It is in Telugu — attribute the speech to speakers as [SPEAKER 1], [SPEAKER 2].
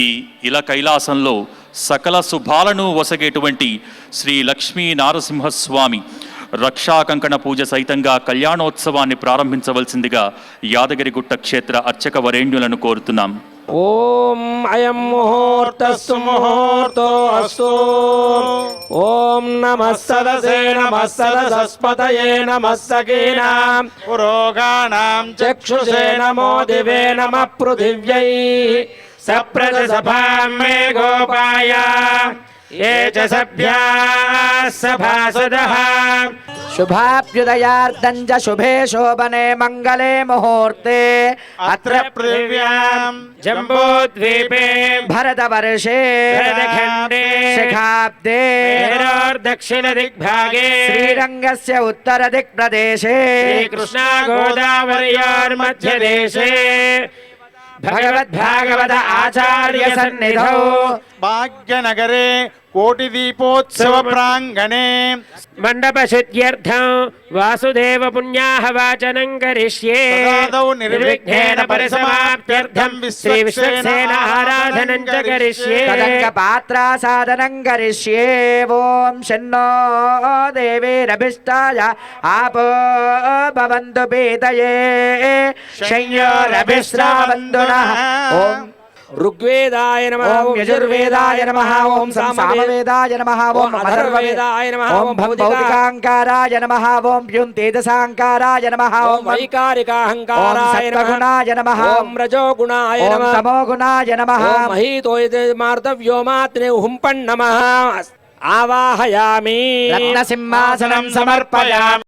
[SPEAKER 1] ఈ ఇలా కైలాసంలో సకల శుభాలను వసగేటువంటి శ్రీ లక్ష్మీ నారసింహస్వామి రక్షాకంకణ పూజ సైతంగా కళ్యాణోత్సవాన్ని ప్రారంభించవలసిందిగా యాదగిరిగుట్ట క్షేత్ర అర్చక వరేణ్యులను కోరుతున్నాం.
[SPEAKER 2] ఓం అయం ముహూర్తస్సు ముహూర్తో అస్తు. ఓం నమః సదసే నమః సదసస్పతయే నమః సఖీనాం పురోగాణాం చక్షుషే నమో దివే నమః పృథివ్యై సప్రజసభాం మే గోపాయ ఏ చ సభ్యాః సభాసదః.
[SPEAKER 3] शुभाभ्युदयार्तं च शुभे शोभने मंगले मुहूर्ते
[SPEAKER 2] अत्र पृथिव्यां जम्बूद्वीपे
[SPEAKER 3] भरतवर्षे
[SPEAKER 2] भरतखण्डे
[SPEAKER 3] शिखाब्दे
[SPEAKER 2] दक्षिणदिग्भागे
[SPEAKER 3] श्रीरङ्गस्य उत्तरदिक्प्रदेशे
[SPEAKER 2] श्रीकृष्णा गोदावर्योर्मध्यदेशे भगवद्भागवत आचार्य सन्निधौ भाग्यनगरे कोटिदीपोत्सव प्रांगणे मंडपशुद्ध्यर्थं वासुदेव पुण्याहवाचनं करिष्ये. निर्विघ्नेन परिसमाप्त्यर्थं श्री विश्वक्सेन आराधनं च करिष्ये.
[SPEAKER 3] तदङ्गपात्रासादनं करिष्ये. ओम शन्नो देवीरभिष्टाय आपो भवन्तु पीतये शय्योरभिश्रावन्तु नः. ओम
[SPEAKER 2] ऋग्वेदाय नमः.
[SPEAKER 3] ओम यजुर्वेदाय नमः. ओम सामवेदाय नमः. ओम अथर्ववेदाय नमः. ओम भौतिकांकाराय नमः. ओम तेजसांकाराय नमः.
[SPEAKER 2] ओम वैकारिकाहंकाराय नमः.
[SPEAKER 3] सत्त्वगुणाय नमः.
[SPEAKER 2] ओम रजोगुणाय नमः.
[SPEAKER 3] ओम तमोगुणाय नमः.
[SPEAKER 2] ओम महीतोयमार्तव्योमात्ने हुंपन् नमः. आवाहयामि.
[SPEAKER 3] रत्नसिंहासनं समर्पयामि.